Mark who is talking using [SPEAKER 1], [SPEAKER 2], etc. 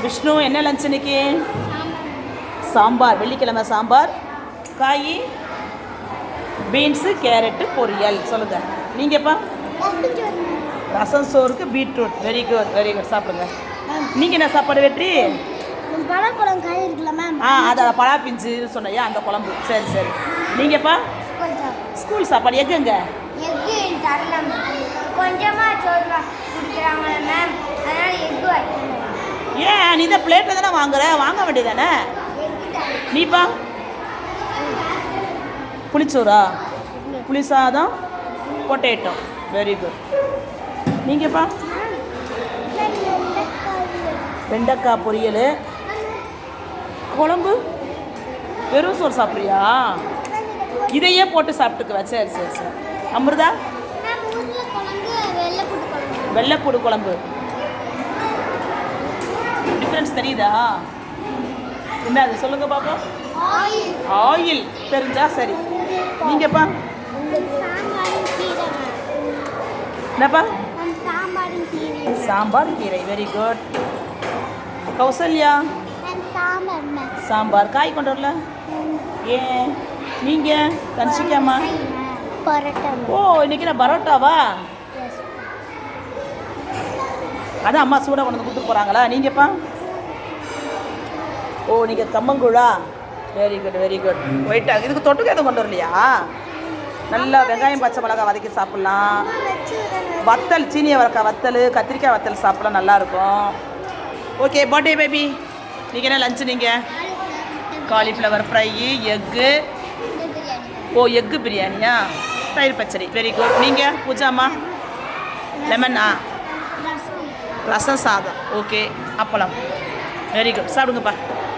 [SPEAKER 1] விஷ்ணு என்ன லஞ்ச் இன்னைக்கு? சாம்பார். வெள்ளிக்கிழமை சாம்பார். காய் பீன்ஸு கேரட்டு பொரியல். சொல்லுங்கள். நீங்கள்ப்பா? ரசம் சோறுக்கு beetroot. Very good very good. சாப்பிடுங்க. நீங்கள் என்ன சாப்பாடு வெற்றி?
[SPEAKER 2] பழக்குழம்பு காய் இருக்குல்ல மேம்.
[SPEAKER 1] அதை பழா பிஞ்சுன்னு சொன்னையா அந்த குழம்பு. சரி சரி. நீங்கள்ப்பா? ஸ்கூல் சாப்பாடு. எக்குங்க?
[SPEAKER 2] எக்கு தரலாம். கொஞ்சமாக சோறு குடிக்கிறாங்களே மேம், அதனால் எக்கு வைக்கணும்.
[SPEAKER 1] ஏன் நீ தான் பிளேட்டில் தானே வாங்க வேண்டியதானே? நீப்பா? புளிச்சோறா? புளி சாதம் பொட்டேட்டோ. Very good. நீங்கள்ப்பா? வெண்டைக்காய் பொரியல் குழம்பு. வெறும் சோறு சாப்பிட்றியா? இதையே போட்டு சாப்பிட்டுக்குவா. சரி சரி சரி. அமிர்தா? வெள்ளைப்பூடு குழம்பு. டிஃப்ரென்ஸ் தெரியுதா? என்ன அது சொல்லுங்க பாப்போம். ஆயில் தெரிஞ்சா சரி. நீங்கப்பா? என்னப்பா? சாம்பார் கீரை. Very good. கௌசல்யா? சாம்பார். காய் கொண்டு வரல ஏன்? நீங்கள் கன்சிக்காமா? ஓ இன்னைக்கு நான் பரோட்டாவா? அதான் அம்மா சூடாக கொண்டு வந்து கொடுத்துட்டு போகிறாங்களா? நீங்கள்ப்பா? ஓ நீங்கள் கம்மங்கூழா? Very good very good. ஒயிட்டாக இதுக்கு தொட்டுக்கு எதுவும் கொண்டு வரலையா? நல்லா வெங்காயம் பச்சை மிளகாய் வதக்கி சாப்பிட்லாம். வத்தல் சீனி அவரைக்காய் வத்தல் கத்திரிக்காய் வத்தல் சாப்பிட்லாம் நல்லாயிருக்கும். Okay birthday baby. நீங்கள் என்ன லஞ்சு? நீங்கள் காலிஃப்ளவர் ஃப்ரை எக்கு. ஓ எக்கு பிரியாணியா? தயிர் பச்சடி. Very good. நீங்கள் பூஜாமா? லெமனா? ரசம் சாதம். ஓகே. அப்பளம். Very good. சாப்பிடுங்கப்பா.